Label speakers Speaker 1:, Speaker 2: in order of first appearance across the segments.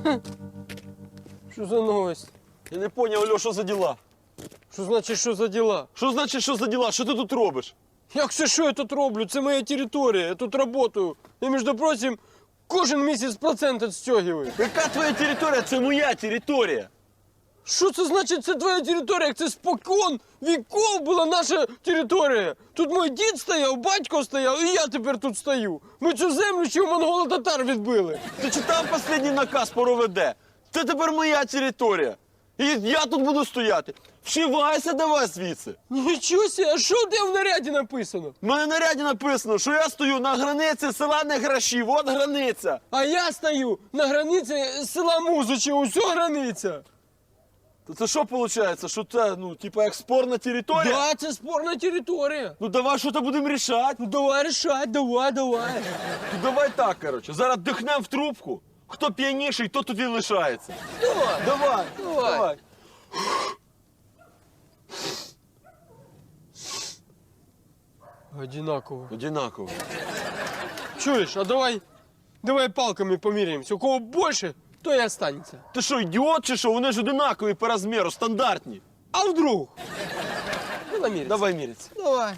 Speaker 1: Що за новость?
Speaker 2: Я не поняв, Альо, що за діла?
Speaker 1: Що значить, що за діла?
Speaker 2: Що значить, що за діла? Що ти тут робиш?
Speaker 1: Як це що я тут роблю? Це моя територія, я тут працюю. І, між прочим, кожен місяць процент відстягую.
Speaker 2: Яка твоя територія? Це моя територія.
Speaker 1: Що це значить, це твоя територія? Як це спокон віков була наша територія. Тут мій дід стояв, батько стояв, і я тепер тут стою. Ми цю землю ще у монголо-татар відбили.
Speaker 2: Ти читав останній наказ по РОВД? Це тепер моя територія. І я тут буду стояти. Вшивайся давай звідси.
Speaker 1: Нічого себе, а що де в наряді написано?
Speaker 2: В мене в наряді написано, що я стою на границі села Неграшів. От границя.
Speaker 1: А я стою на границі села Музичі, усьо границя.
Speaker 2: То це що виходить? Що це, ну, типа, як спорна територія?
Speaker 1: Да, це спорна територія.
Speaker 2: Ну давай що-то будемо рішати.
Speaker 1: Ну давай рішать, давай.
Speaker 2: Ну давай так, коротше. Зараз дихнемо в трубку. Хто п'яніший, то тут і лишається.
Speaker 1: Давай.
Speaker 2: Давай.
Speaker 1: Одинаково.
Speaker 2: Одинаково.
Speaker 1: Чуєш, а давай палками поміряємося. У кого більше, то і останеться.
Speaker 2: Ти що, ідіот чи що? Вони ж одинакові по розміру, стандартні.
Speaker 1: А вдруг? Ну, наміряться.
Speaker 2: Давай міряться.
Speaker 1: Давай.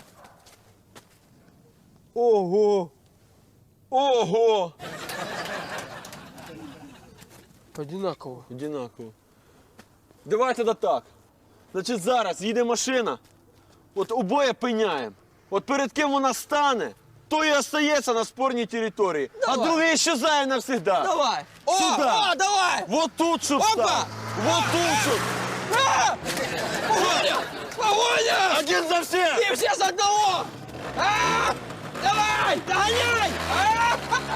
Speaker 1: Ого.
Speaker 2: Ого!
Speaker 1: Одинаково.
Speaker 2: Одинаково. Давай тоді так. Значить, зараз їде машина, от обоє пиняємо. От перед ким вона стане, то і остається на спорній території.
Speaker 1: Давай.
Speaker 2: А другий щезає навсегда.
Speaker 1: Давай.
Speaker 2: Сюда.
Speaker 1: О, давай.
Speaker 2: Вот тут щоб
Speaker 1: Опа!
Speaker 2: став. Вот тут щоб.
Speaker 1: А! Погоня! Погоня!
Speaker 2: Один за всіх!
Speaker 1: И все с одного! А! Давай! Догоняй! А!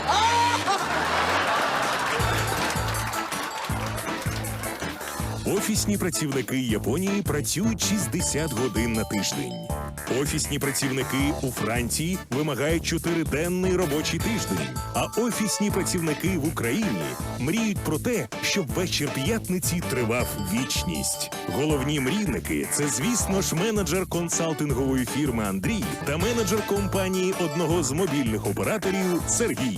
Speaker 3: Офісні працівники Японії працюють 60 годин на тиждень. Офісні працівники у Франції вимагають 4-денний робочий тиждень. А офісні працівники в Україні мріють про те, щоб вечір п'ятниці тривав вічність. Головні мрійники – це, звісно ж, менеджер консалтингової фірми Андрій та менеджер компанії одного з мобільних операторів Сергій.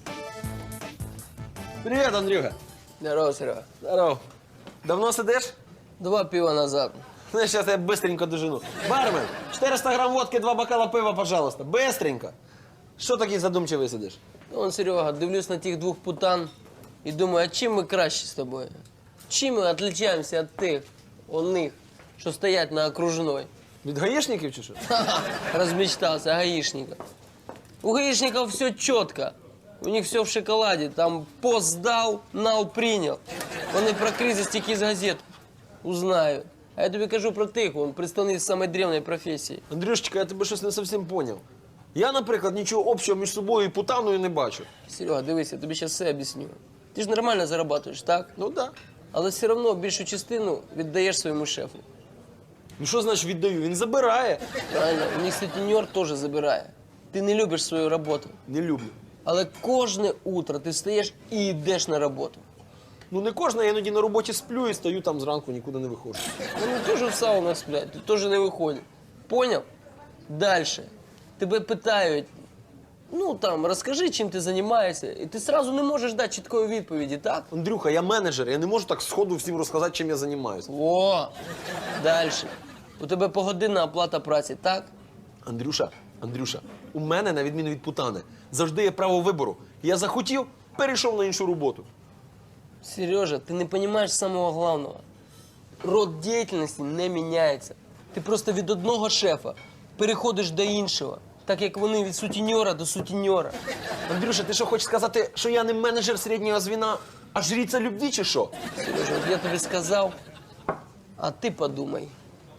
Speaker 2: Привіт, Андрюха.
Speaker 1: Здорово, Серега.
Speaker 2: Здорово. Давно сидиш?
Speaker 1: 2 пива назад.
Speaker 2: Ну, сейчас я быстренько дожену. Бармен, 400 грамм водки, 2 бокала пива, пожалуйста. Быстренько. Що такий задумчивий сидиш?
Speaker 1: Вон, Серега, дивлюсь на тих 2 путан і думаю, а чим ми краще з тобою? Чим ми відрізняємося від тих, них, що стоять на окружной?
Speaker 2: Від гаїшників чи що?
Speaker 1: Размечтался, гаишника. У гаишников все четко. У них все в шоколаде. Там пост сдал, нал принял. Вони про кризис тільки з газет узнають. А я тобі кажу про тих, он представник самої древньої професії.
Speaker 2: Андрюшечка, я тебе щось не зовсім поняв. Я, наприклад, нічого общого між собою і путаною не бачу.
Speaker 1: Серега, дивись, я тобі зараз все об'ясню. Ти ж нормально заробляєш, так?
Speaker 2: Ну да.
Speaker 1: Але все одно більшу частину віддаєш своєму шефу.
Speaker 2: Ну що значить віддаю? Він забирає.
Speaker 1: Правильно? У них сутенер теж забирає. Ти не любиш свою роботу.
Speaker 2: Не люблю.
Speaker 1: Але кожне утро ти встаєш і йдеш на роботу.
Speaker 2: Ну не кожна, я іноді на роботі сплю і стою там зранку, нікуди не виходжу.
Speaker 1: Вони теж в саунах сплять, тут теж не виходять. Поняв? Дальше. Тебе питають, ну там, розкажи, чим ти займаєшся. І ти одразу не можеш дати чіткої відповіді, так?
Speaker 2: Андрюха, я менеджер, я не можу так сходу всім розказати, чим я займаюся.
Speaker 1: О, дальше. У тебе погодинна оплата праці, так?
Speaker 2: Андрюша, у мене, на відміну від путани, завжди є право вибору. Я захотів, перейшов на іншу роботу.
Speaker 1: Сережа, ти не розумієш самого головного. Род діяльності не міняється. Ти просто від одного шефа переходиш до іншого. Так як вони від сутенера до сутенера.
Speaker 2: Андрюша, ти що хочеш сказати, що я не менеджер середнього звіна, а жриця любві чи що?
Speaker 1: Сережа, от я тобі сказав, а ти подумай.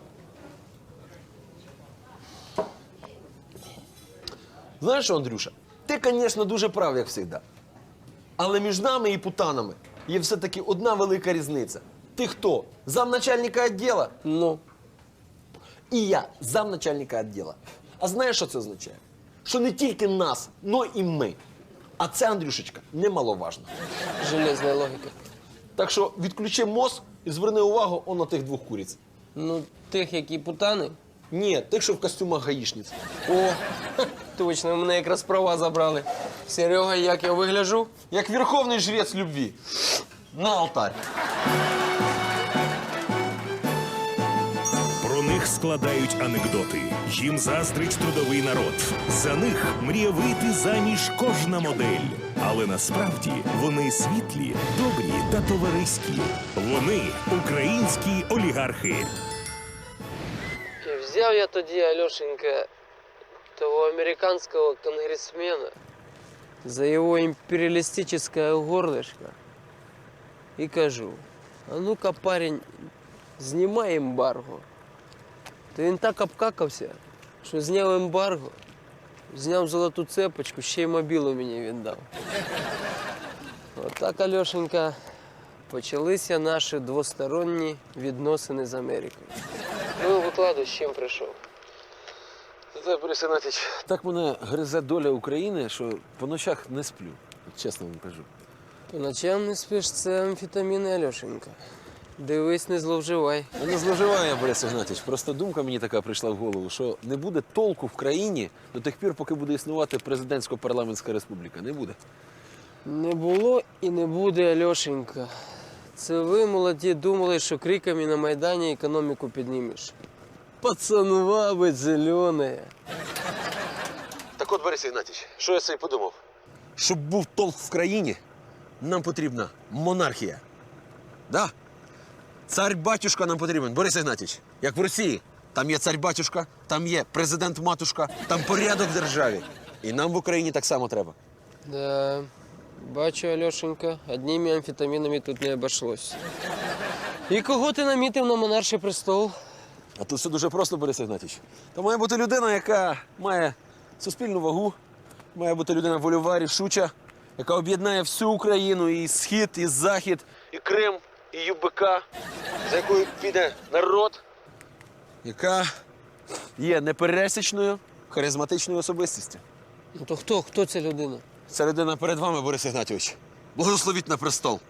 Speaker 2: Знаєш що, Андрюша, ти, звісно, дуже прав, як завжди. Але між нами і путанами є все-таки одна велика різниця. Ти хто? Замначальника відділу?
Speaker 1: Ну,
Speaker 2: І я замначальника відділу. А знаєш, що це означає? Що не тільки нас, но і ми. А це, Андрюшечка, немаловажно.
Speaker 1: железна логіка.
Speaker 2: Так що відключи мозг і зверни увагу он на тих 2 куриць.
Speaker 1: Ну, тих, які путани.
Speaker 2: Ні, тих, що в костюмах гаїшниць.
Speaker 1: О, точно, мене якраз права забрали. Серега, як я вигляджу?
Speaker 2: Як верховний жрець любві. на алтарь.
Speaker 3: Про них складають анекдоти. Їм заздрить трудовий народ. За них мріє вийти заміж кожна модель. Але насправді вони світлі, добрі та товариські. Вони українські олігархи.
Speaker 1: І взяв я тоді, Альошенька, того американского конгрессмена за его империалистическое горлышко и кажу: а ну-ка, парень, знімай ембарго. То він так обкакався, що зняв ембарго, зняв золоту цепочку, ще й мобілу мені віддав. Отак, Альошенька, почалися наші двосторонні відносини з Америкою. Ну, викладу, з чим прийшов.
Speaker 2: Знаєте, Борис Ігнатійович, так мене гризе доля України, що по ночах не сплю. От чесно вам кажу.
Speaker 1: По ночам не спиш, це амфетаміни, Альошенька. Дивись, не зловживай.
Speaker 2: Я не зловживаю, Борис Ігнатійович. Просто думка мені така прийшла в голову, що не буде толку в країні до тих пір, поки буде існувати президентсько-парламентська республіка. Не буде.
Speaker 1: Не було і не буде, Альошенька. Це ви, молоді, думали, що криками на Майдані економіку піднімеш. Пацанва быть зеленая.
Speaker 2: Так от, Борис Ігнатійович, що я собі подумав? Щоб був толк в країні, нам потрібна монархія. Да? Цар-батюшка нам потрібен, Борис Ігнатійович. Як в Росії. Там є цар-батюшка, там є президент-матушка, там порядок в державі. І нам в Україні так само треба.
Speaker 1: Да, бачу, Альошенька, одними амфетамінами тут не обошлось. І кого ти намітив на монарший престол?
Speaker 2: А тут все дуже просто, Борис Ігнатійович. То має бути людина, яка має суспільну вагу, має бути людина вольова, рішуча, яка об'єднає всю Україну, і Схід, і Захід, і Крим, і ЮБК, за якою піде народ, яка є непересічною, харизматичною особистістю.
Speaker 1: Ну то хто? Хто ця людина?
Speaker 2: Ця людина перед вами, Борис Ігнатійович. Благословіть на престол.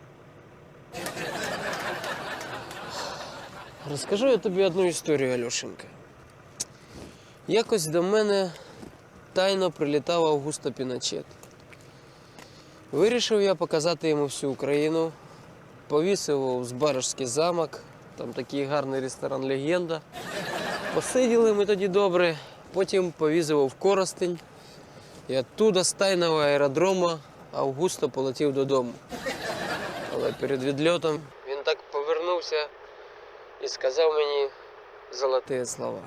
Speaker 1: Розкажу я тобі одну історію, Альошенька. Якось до мене тайно прилітав Августо Піночет. Вирішив я показати йому всю Україну. Повісив його в Збаражський замок, там такий гарний ресторан «Легенда». Посиділи ми тоді добре, потім повіз його в Коростень. І оттуда з тайного аеродрому Августо полетів додому. Але перед відльотом він так повернувся і сказав мені золоті слова.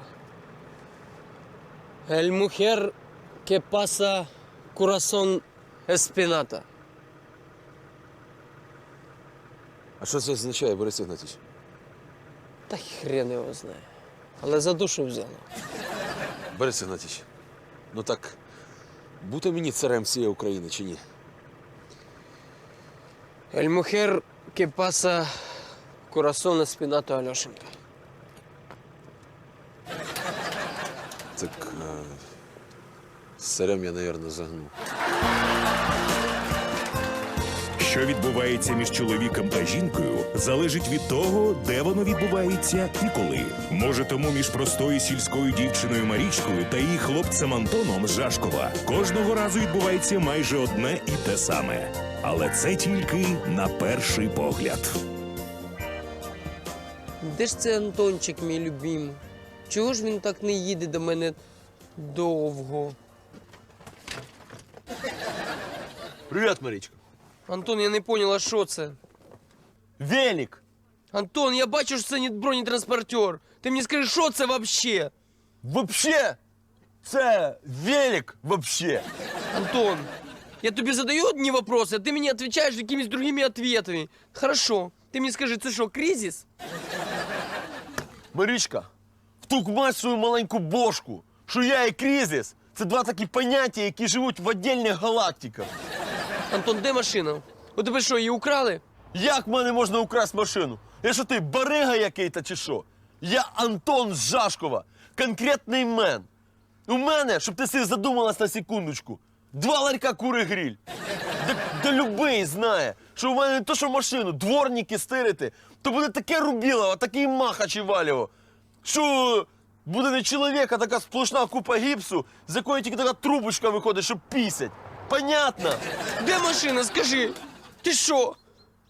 Speaker 1: «El mujer que pasa corazón espinata».
Speaker 2: А що це означає, Борис Ігнатійович?
Speaker 1: Та хрен його знає. Але за душу взяло.
Speaker 2: Борис Ігнатійович, ну так бути мені царем всієї України чи ні?
Speaker 1: «El mujer que pasa corazón espinata», Альошенька.
Speaker 2: Так з царем я, мабуть, загнув.
Speaker 3: Що відбувається між чоловіком та жінкою, залежить від того, де воно відбувається і коли. Може, тому між простою сільською дівчиною Марічкою та її хлопцем Антоном з Жашкова кожного разу відбувається майже одне і те саме. Але це тільки на перший погляд.
Speaker 1: Де ж це Антончик, мій любимий? Чого ж він так не їде до мене довго?
Speaker 2: Привіт, Марічка.
Speaker 1: Антон, я не поняла, що це.
Speaker 2: Велик!
Speaker 1: Антон, я бачу, що це не бронетранспортер. Ти мені скажи, що це вообще?
Speaker 2: Вообще! Це велик вообще!
Speaker 1: Антон, я тобі задаю одні вопроси, а ти мені відповідаєш якимись другими ответами. Хорошо. Ти мені скажи, це що, кризис?
Speaker 2: Марічка, втукмай свою маленьку бошку, що я і кризис – це два такі поняття, які живуть в віддільних галактиках.
Speaker 1: Антон, де машина? У тебе що, її украли?
Speaker 2: Як в мене можна украсти машину? Я що ти, барига який-то чи що? Я Антон з Жашкова, конкретний мен. У мене, щоб ти собі задумалась на секундочку, 2 ларька кури-гриль. Да любий знає, що у мене не то, що машину, дворники стирити, то буде таке рубілово, такий махач і валіво, що буде не чоловік, а така сплошна купа гіпсу, з якої тільки така трубочка виходить, щоб пісять. Понятно?
Speaker 1: Де машина, скажи? Ти що?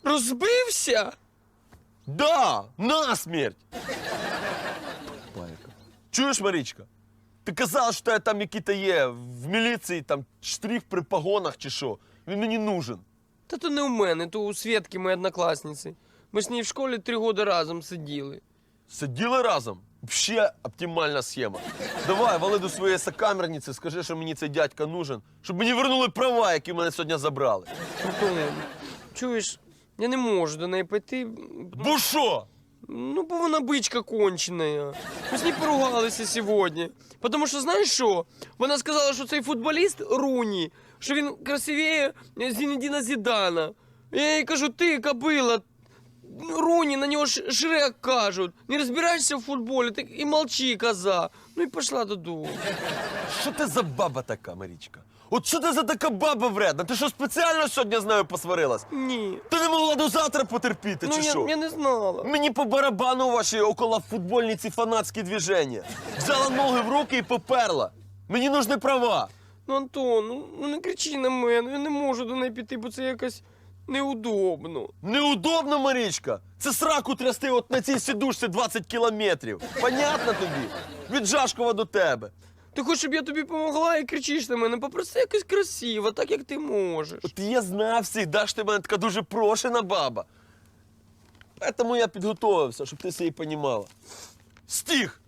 Speaker 1: Розбився?
Speaker 2: Да, насмерть! Байка. Чуєш, Марічка? Ти казала, що там який-то є в міліції, там штрих при погонах чи що. Він мені нужен.
Speaker 1: Та то не у мене, то у Свєтки, моєї однокласниці. Ми з нею в школі 3 роки разом сиділи.
Speaker 2: Сиділи разом? Вообще оптимальна схема. Давай, вали до своєї сокамерниці, скажи, що мені цей дядька нужен, щоб мені вернули права, які мене сьогодні забрали.
Speaker 1: Антон, чуєш, я не можу до неї пойти.
Speaker 2: Бо що?
Speaker 1: Ну, бо вона бичка кончена. Ми з нею поругалися сьогодні. Тому що, знаєш що? Вона сказала, що цей футболіст Руні, що він красивіє Зінедіна Зідана. Я їй кажу, ти, кобила, Руні, на нього Шрек кажуть. Не розбираєшся в футболі, так і молчи, коза. Ну і пішла додому.
Speaker 2: Що ти за баба така, Марічка? От що ти за така баба вредна? Ти що, спеціально сьогодні з нею посварилась?
Speaker 1: Ні.
Speaker 2: Ти не могла до завтра потерпіти,
Speaker 1: Ну,
Speaker 2: чи що?
Speaker 1: я не знала.
Speaker 2: Мені по барабану ваші околофутбольні ці фанатські движення. Взяла ноги в руки і поперла. Мені нужні права.
Speaker 1: Ну, Антон, ну не кричи на мене, я не можу до неї піти, бо це якось неудобно.
Speaker 2: Неудобно, Марічка. Це сраку трясти от на цій сідушці 20 кілометрів. Понятно тобі? Від Жашкова до тебе.
Speaker 1: Ти хочеш, щоб я тобі допомогла і кричиш на мене? Попроси якось красиво, так як ти можеш.
Speaker 2: От я знав всіх, що ти мене така дуже прошена баба. Тому я підготовився, щоб ти себе понімала. Стіг!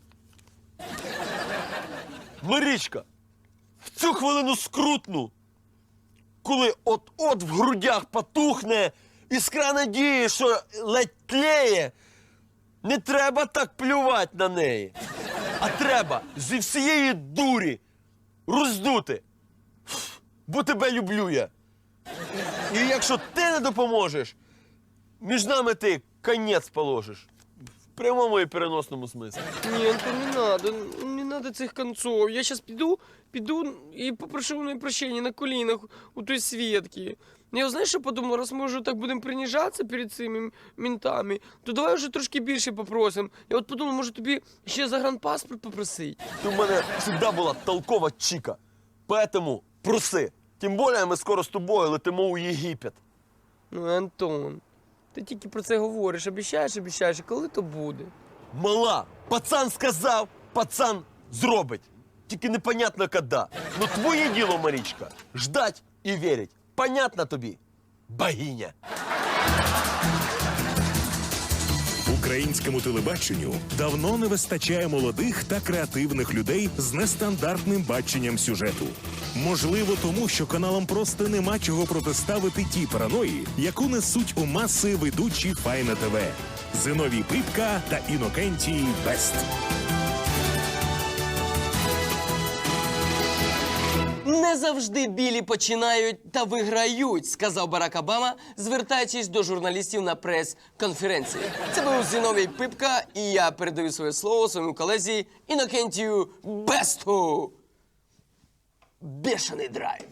Speaker 2: Марічка, в цю хвилину скрутну, коли от-от в грудях потухне іскра надії, що ледь тлеє, не треба так плювати на неї, а треба зі всієї дурі роздути. Бо тебе люблю я. І якщо ти не допоможеш, між нами ти конець положиш. В прямому і переносному смислі.
Speaker 1: Ні, Антон, не надо цих концов. Я зараз піду і попрошу у неї прощення на колінах у той Свєтки. Я знаєш, що подумала, раз ми вже так будемо принижатися перед цими ментами, то давай вже трошки більше попросимо. Я от подумала, може тобі ще загранпаспорт попросити?
Speaker 2: Ти в мене завжди була толкова чіка. Поэтому проси. Тим більше ми скоро з тобою летимо у Єгипет.
Speaker 1: Ну, Антон, ти тільки про це говориш, обіцяєш, і коли то буде?
Speaker 2: Мала, пацан сказав, пацан зробить. Тільки непонятно коли. Ну твоє діло, Марічка, ждать і вірить. Понятно тобі? Богиня.
Speaker 3: Українському телебаченню давно не вистачає молодих та креативних людей з нестандартним баченням сюжету. Можливо, тому що каналам просто нема чого протиставити тій параної, яку несуть у маси ведучі Файна ТВ. Зиновій Пипка та Інокентій Бест.
Speaker 1: Не завжди білі починають та виграють, сказав Барак Обама, звертаючись до журналістів на прес-конференції. Це був Зіновій Пипка, і я передаю своє слово своєму колезі Інокентію Бесту. Бешений драйв.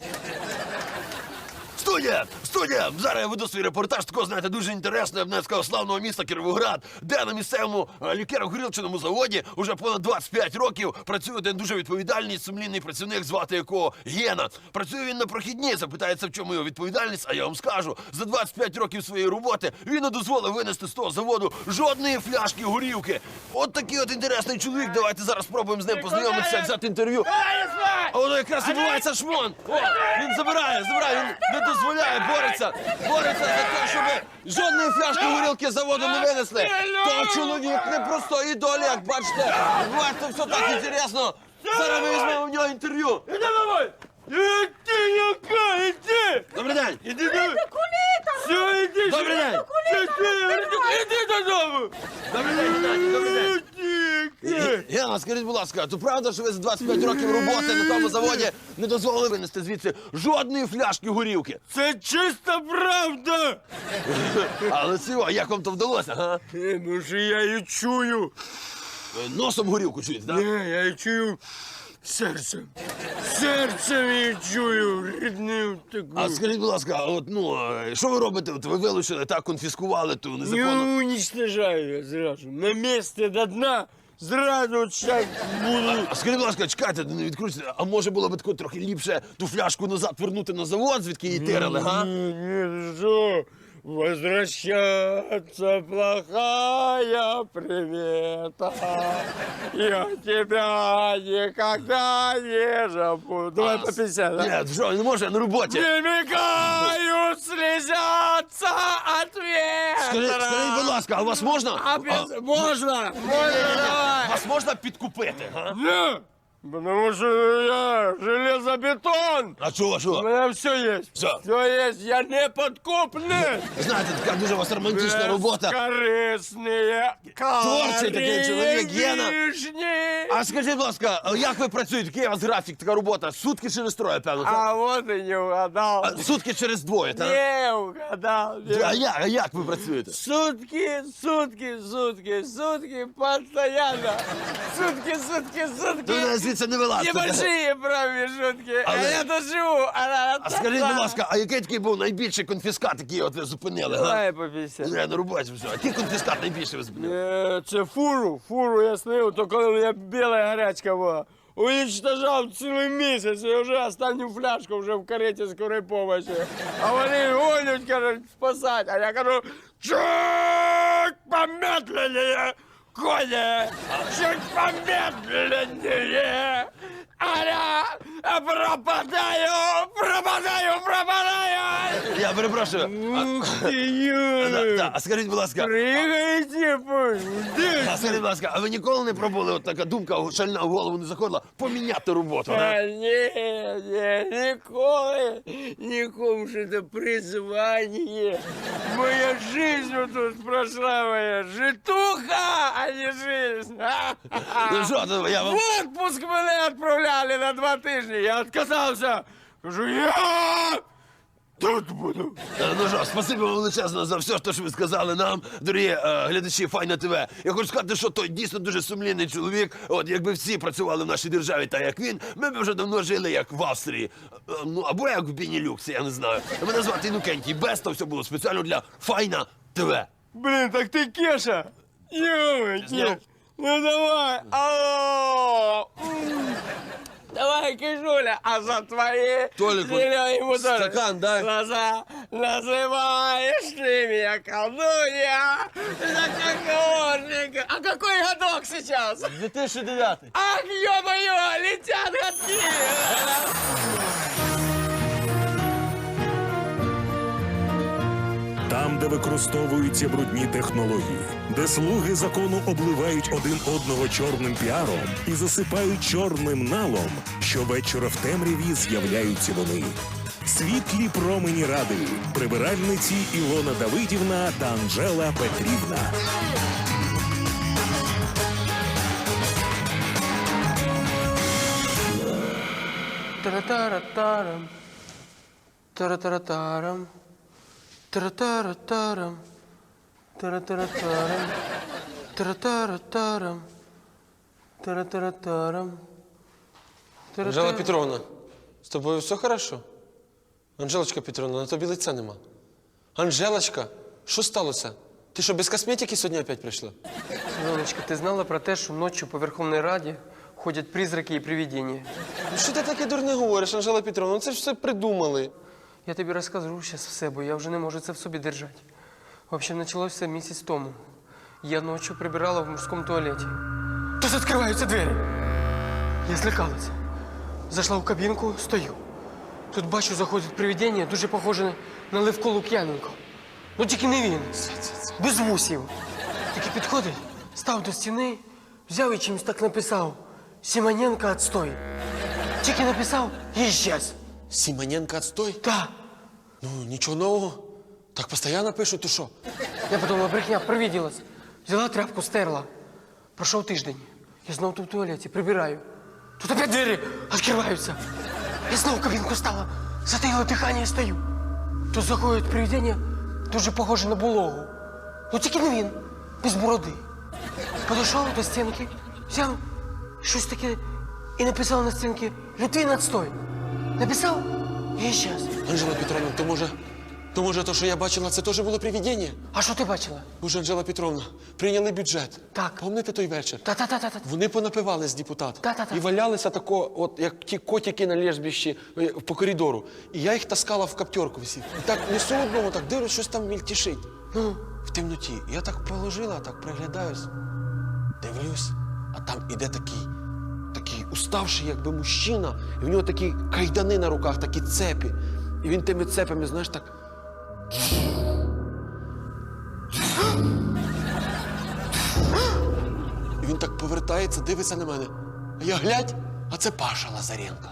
Speaker 2: Студія! Зараз я веду свій репортаж такого, знаєте, дуже інтересного, я б сказав, славного міста Кіровоград, де на місцевому лікеро-горілчиному заводі уже понад 25 років працює один дуже відповідальний, сумлінний працівник, звати якого Гена. Працює він на прохідні, запитається, в чому його відповідальність, а я вам скажу, за 25 років своєї роботи він не дозволив винести з того заводу жодної фляшки горілки. От такий от інтересний чоловік, давайте зараз спробуємо з ним познайомитися, взяти інтерв'ю. А воно якраз відбувається шмон. О, він забирає, він не дозволяє, бореться за те, щоб жодної фляшки горілки з заводу не винесли. То чоловік непростої долі, як бачите. Бачите, все так інтересно. Зараз ми візьмемо в нього інтерв'ю. Добрий день. Добрий день. Добрий день. Гена, скажіть, будь ласка, то правда, що ви за 25 років роботи на тому заводі не дозволили винести звідси жодної фляшки горілки?
Speaker 4: Це чиста правда!
Speaker 2: Але цього, як вам то вдалося, га?
Speaker 4: Ну що я її чую.
Speaker 2: Носом горілку чуєте, так?
Speaker 4: Ні, я її чую серцем. Серцем її чую, рідним таку.
Speaker 2: А скажіть, будь ласка, що ви робите? От ви вилучили, так, конфіскували ту незаконну...
Speaker 4: Не уничтожаю я зразу. На місці до дна зразу зараз буду.
Speaker 2: А скажіть, будь ласка, чекайте, не відкручуйте, а може було б тако трохи ліпше ту фляжку назад вернути на завод, звідки її тирили, га?
Speaker 4: Ні, що? возвращаться плохая примета. Я тебя никогда не забуду. Давай по 50, да?
Speaker 2: Ні, що, не може, я на роботі.
Speaker 4: Не мигают, слезятся от ветра.
Speaker 2: Скажіть, будь ласка, а у вас можна?
Speaker 4: Можно, давай.
Speaker 2: Вас можна підкупити, га?
Speaker 4: Не, потому что я железобетон.
Speaker 2: А чого,
Speaker 4: У
Speaker 2: що?
Speaker 4: меня все есть.
Speaker 2: Всё.
Speaker 4: Все есть, я неподкупный.
Speaker 2: Знаєте, така дуже у вас романтична робота.
Speaker 4: Бескорыстные,
Speaker 2: Творчий такий чоловік, Гена.
Speaker 4: вишні.
Speaker 2: А скажіть, будь ласка, як ви працюєте? Який у вас графік, така робота? Сутки через троє, певно, так?
Speaker 4: А вот и не угадал.
Speaker 2: А сутки через двоє, так?
Speaker 4: Не угадал.
Speaker 2: А як ви працюєте?
Speaker 4: Сутки, постоянно. Сутки.
Speaker 2: Ви мене звідси не вилазите.
Speaker 4: Небольшие промежутки. А
Speaker 2: Але-
Speaker 4: я доживу.
Speaker 2: А скажіть, будь ласка, а який такий був найбільший конфіскат, який от ви зупинили, га?
Speaker 4: Давай по 50.
Speaker 2: Не, на роботі все. Який конфіскат найбільший ви зупинили?
Speaker 4: Це фуру я слив, то коли у мене біла гарячка була. Уничтожав цілий місяць і вже останню фляжку вже в кареті скорої помощі. А вони гонять, кажуть, спасати. А я кажу, чуть помедленнее, коні, чуть помедленнее. А я пропадаю.
Speaker 2: Я перепрошую.
Speaker 4: Ух ти, Юрій.
Speaker 2: А скажіть, будь ласка,
Speaker 4: Пригайте,
Speaker 2: а скажіть, будь ласка, а ви ніколи не пробували, от така думка шальна в голову не заходила, поміняти роботу, да?
Speaker 4: А ні, ніколи, нікому ж це призвання. Моя жизнь вот тут прошла, моя житуха, а не жизнь.
Speaker 2: Ну що, то я вам...
Speaker 4: В отпуск мене відправляли на 2 тижні, я відказався. Кажу, я тут буду.
Speaker 2: Ну що, спасибо вам величезно за все, що ви сказали нам, дорогі глядачі Файна ТВ. Я хочу сказати, що той дійсно дуже сумлінний чоловік. От якби всі працювали в нашій державі так, як він, ми б вже давно жили, як в Австрії. Ну, або як в Бенілюксі, я не знаю. Мене звати Інокентій Беста, все було спеціально для Файна ТВ.
Speaker 4: Блин, так ты Кеша? Ё-моё,
Speaker 2: Снял.
Speaker 4: Кеш. Ну давай, алло. Давай, Кешуля, а за твои
Speaker 2: Толику,
Speaker 4: зелёные ему тоже
Speaker 2: стакан дай.
Speaker 4: глаза называешь ты меня колдунья за кокошника. А какой годок сейчас?
Speaker 2: 2009.
Speaker 4: Ах, ё-моё, летят годки!
Speaker 3: Там, де використовуються брудні технології, де слуги закону обливають один одного чорним піаром і засипають чорним налом, щовечора в темряві з'являються вони. Світлі промені ради, прибиральниці Ілона Давидівна та Анжела Петрівна.
Speaker 1: Таратаратарам. Таратаратарам. Таратаратарам. Таратаратарам. Таратаратарам. Таратаратарам.
Speaker 5: Анжела Петровна, з тобою все хорошо? Анжелочка Петровна, на тобі лиця нема. Анжелочка, що сталося? Ти що, без косметики сьогодні опять прийшла?
Speaker 1: Леночка, ти знала про те, що ночі по Верховній Раді ходять призраки і привидіння?
Speaker 5: Ну що ти таке дурне говориш, Анжела Петровна? Ну це ж все придумали.
Speaker 1: Я тобі розкажу зараз все, бо я вже не можу це в собі держати. Взагалі, почалося все місяць тому. Я ночью прибирала в мужском туалете. Тут открываются двери. Я злякалася. Зайшла в кабінку, стою. Тут бачу, заходить привидіння, дуже похоже на Левко Лук'яненко. Ну тільки не він. Без вусів. Тільки підходить, став до стіни, взяв і чимось так написав. Симоненко, отстой. Тільки написав і щас.
Speaker 5: Симоненко отстой?
Speaker 1: Так.
Speaker 5: Ну, нічого нового. Так постійно пишуть, ти що?
Speaker 1: Я подумала, брехня, привиделась. Взяла тряпку, стерла. Прошел тиждень. Я снова тут в туалете, прибираю. Тут опять двери открываются. Я снова в кабинку стала. Затаила дыхание, стою. Тут заходит привидение, дуже похоже на булогу. Ну тільки не він, без бороди. Подошов до стінки, взяв щось таке і написав на стінці «Литвин, отстой». Написав і щас.
Speaker 5: Анжела Петровна, то може То може то, що я бачила, це теж було привидіння?
Speaker 1: А що ти бачила?
Speaker 5: Боже, Анжела Петровна, прийняли бюджет.
Speaker 1: Так.
Speaker 5: Пам'ятаєте той вечір?
Speaker 1: Та-та-та-та.
Speaker 5: Вони понапивались, депутат.
Speaker 1: Та-та-та.
Speaker 5: І валялися тако, от як ті котики на лежбищі по коридору. І я їх таскала в каптерку всіх. І так несу одного, так дивлюсь, щось там мільтішить. Ну, в темноті. І я так положила, так приглядаюсь, дивлюсь, а там іде такий уставший, якби мужчина, і в нього такі кайдани на руках, такі цепі. І він тими цепами, знаєш, так. І він так повертається, дивиться на мене. А я глядь, а це Паша Лазаренко.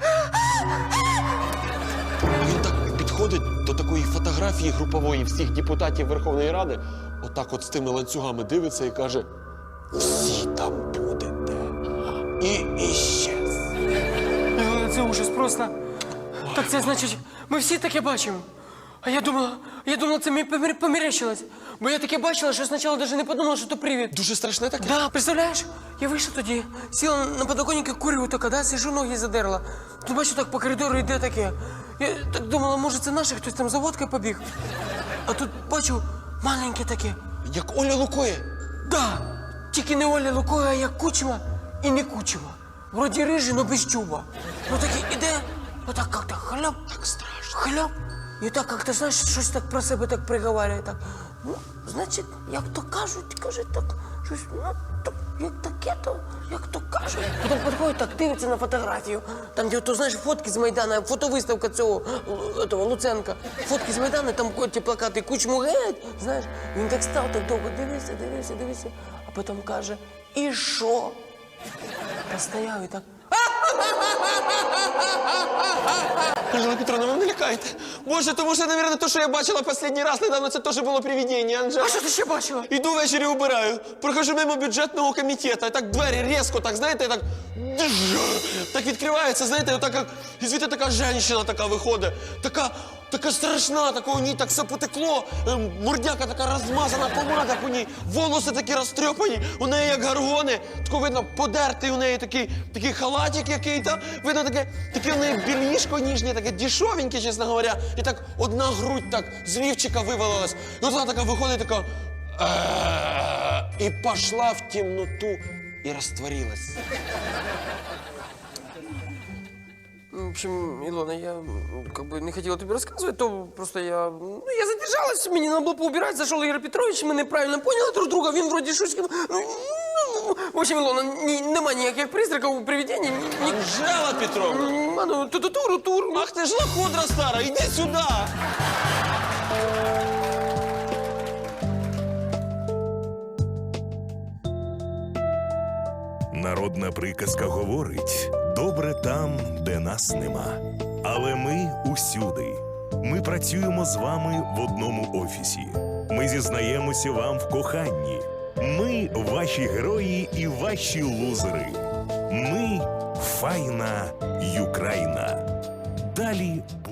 Speaker 5: І він так підходить до такої фотографії групової всіх депутатів Верховної Ради, отак от з тими ланцюгами дивиться і каже: всі там будете. І іщез.
Speaker 1: Це ужас просто. Так це значить, ми всі таке бачимо. А я думала, це мені помірещилось. Бо я таке бачила, що спочатку навіть не подумала, що то привид.
Speaker 5: Дуже страшне таке?
Speaker 1: Да, представляєш? Я вийшла тоді, сіла на подоконнику, курю така, да, сижу, ноги задерла. Тут бачу, так по коридору йде таке. Я так думала, може це наше, хтось там за водкою побіг. А тут бачу, маленьке таке.
Speaker 5: Як Оля Лукоє.
Speaker 1: Да, тільки не Оля Лукоя, а як Кучма і не Кучма. Вроді рижий, но без чуба. Ну таке іде, отак як-то хляп.
Speaker 5: Так страшно.
Speaker 1: Хляп. І так, як ти знаєш, щось так про себе так приговарює. Так. Ну, значить, як то кажуть, каже так, щось, ну, так, як таке, то, як то кажуть. Потім підходить, так дивиться на фотографію. Там, де, то, знаєш, фотки з Майдана, фотовиставка цього, Луценка. Фотки з Майдана, там ті плакати «Кучму геть», знаєш. Він так став, так довго дивився, а потім каже: «І що?» Постояв і так.
Speaker 5: Анжела Петровна, ви мене лякаєте. Боже, тому що, мабуть, те, що я бачила останній раз недавно, це теж було привидіння, Анжела.
Speaker 1: А що ти ще бачила?
Speaker 5: Іду ввечері убираю, прохожу мимо бюджетного комітету, і так двері різко, так, знаєте, так, так відкриваються, знаєте, отак, як, і звідти така жінка така виходить, така страшна, така у ній так все потекло, мордяка така розмазана, помада по ній, волоси такі розтрьопані, у неї як гаргони, тако видно подертий у неї такий халатик який-то, видно таке у неї більішко ніжнє, таке дешевеньке, чесно говоря, і так одна грудь так з лівчика вивалилась, і от вона така виходить, така, и пошла в темноту и растворилась.
Speaker 1: В общем, Илона, я как бы не хотела тебе рассказывать, то просто я задержалась, мне надо было поубирать, зашел Игорь Петрович, мы неправильно поняли друг друга, він вроді щось... В общем, Илона, нема ніяких призраків, привидений,
Speaker 5: Анжела Петровна!
Speaker 1: тур.
Speaker 5: Ах ти ж лохудра стара, іди сюди!
Speaker 3: Народна приказка говорить: добре там, де нас нема. Але ми усюди. Ми працюємо з вами в одному офісі. Ми зізнаємося вам в коханні. Ми ваші герої і ваші лузери. Ми файна Юкраїна. Далі